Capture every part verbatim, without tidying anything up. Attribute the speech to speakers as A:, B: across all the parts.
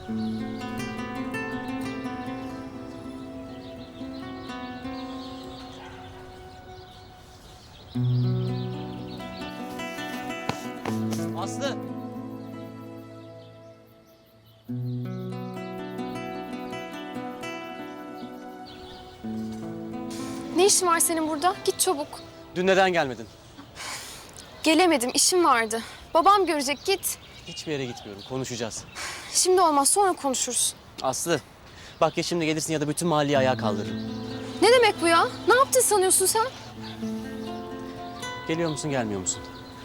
A: Aslı!
B: Ne işin var senin burada? Git çabuk.
A: Dün neden gelmedin?
B: Gelemedim, işim vardı. Babam görecek, git.
A: Hiçbir yere gitmiyorum, konuşacağız.
B: Şimdi olmaz, sonra konuşuruz.
A: Aslı, bak ya şimdi gelirsin ya da bütün mahalleyi ayağa kaldırırım.
B: Ne demek bu ya? Ne yaptın sanıyorsun sen?
A: Geliyor musun, gelmiyor musun?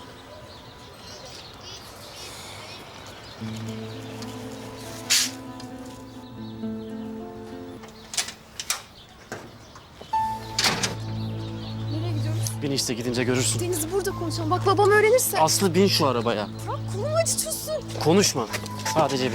B: Nereye gidiyoruz?
A: Bin işte, gidince görürsün.
B: Deniz, burada konuşalım. Bak babam öğrenirse.
A: Aslı bin şu arabaya.
B: Bırak, kolumu acıtıyorsun.
A: Konuşma, sadece bin.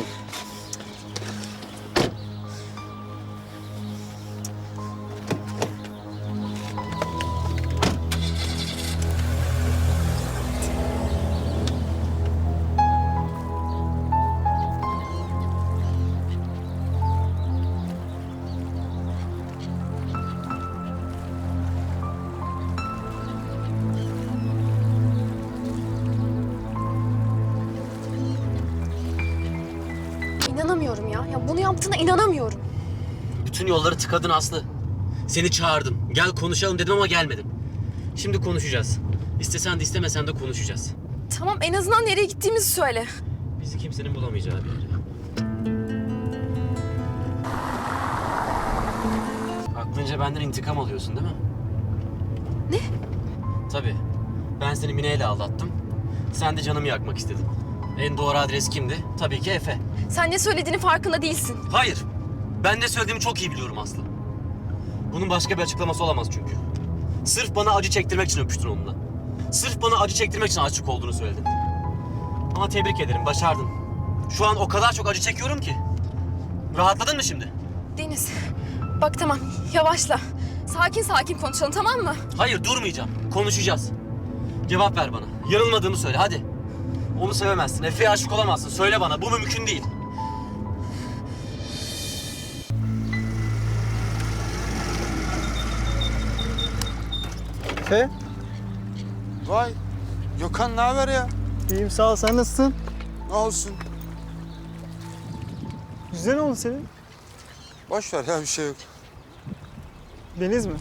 B: İnanamıyorum ya. Ya bunu yaptığına inanamıyorum.
A: Bütün yolları tıkadın Aslı. Seni çağırdım, gel konuşalım dedim ama gelmedim. Şimdi konuşacağız. İstesen de istemesen de konuşacağız.
B: Tamam, en azından nereye gittiğimizi söyle.
A: Bizi kimsenin bulamayacağı bir yere. Aklınca benden intikam alıyorsun değil mi?
B: Ne?
A: Tabii. Ben seni Mine ile aldattım. Sen de canımı yakmak istedin. En doğru adres kimdi? Tabii ki Efe.
B: Sen ne söylediğinin farkında değilsin.
A: Hayır. Ben ne söylediğimi çok iyi biliyorum Aslı. Bunun başka bir açıklaması olamaz çünkü. Sırf bana acı çektirmek için öpüştün onunla. Sırf bana acı çektirmek için aşık olduğunu söyledin. Ama tebrik ederim, başardın. Şu an o kadar çok acı çekiyorum ki. Rahatladın mı şimdi?
B: Deniz, bak tamam, yavaşla. Sakin sakin konuşalım, tamam mı?
A: Hayır, durmayacağım. Konuşacağız. Cevap ver bana. Yanılmadığımı söyle, hadi. Onu sevemezsin, Efe'ye aşık olamazsın. Söyle bana, bu mümkün değil.
C: Efe,
D: Vay, Gökhan ne haber ya?
C: iyiyim sağ ol. Sen nasılsın?
D: Ne olsun?
C: Güzel oldu senin.
D: Boş ver ya, bir şey yok.
C: Deniz mi?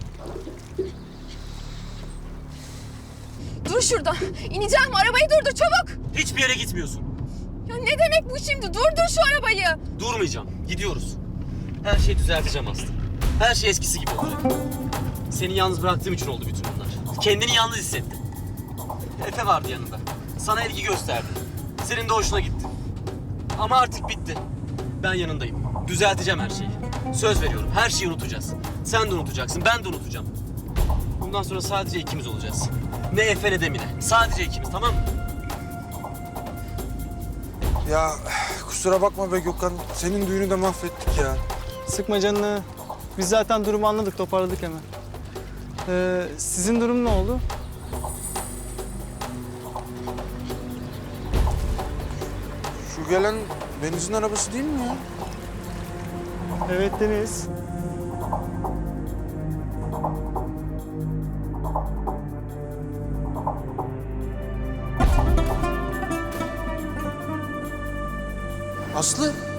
B: Dur şurada. İneceğim, arabayı durdur çabuk.
A: Hiçbir yere gitmiyorsun.
B: Ya ne demek bu şimdi? Durdur şu arabayı.
A: Durmayacağım, gidiyoruz. Her şeyi düzelteceğim Aslı. Her şey eskisi gibi olacak. Seni yalnız bıraktığım için oldu bütün bunlar. Kendini yalnız hissettin. Efe vardı yanında. Sana ilgi gösterdi. Senin de hoşuna gitti. Ama artık bitti. Ben yanındayım. Düzelteceğim her şeyi. Söz veriyorum, her şeyi unutacağız. Sen de unutacaksın, ben de unutacağım. Bundan sonra sadece ikimiz olacağız. Ne Efe ne de Mine. Sadece ikimiz, tamam mı?
D: Ya kusura bakma be Gökhan, senin düğünü de mahvettik ya.
C: Sıkma canını. Biz zaten durumu anladık, toparladık hemen. Ee, sizin durum ne oldu?
D: Şu gelen Deniz'in arabası değil mi ya?
C: Evet Deniz.
D: Aslı,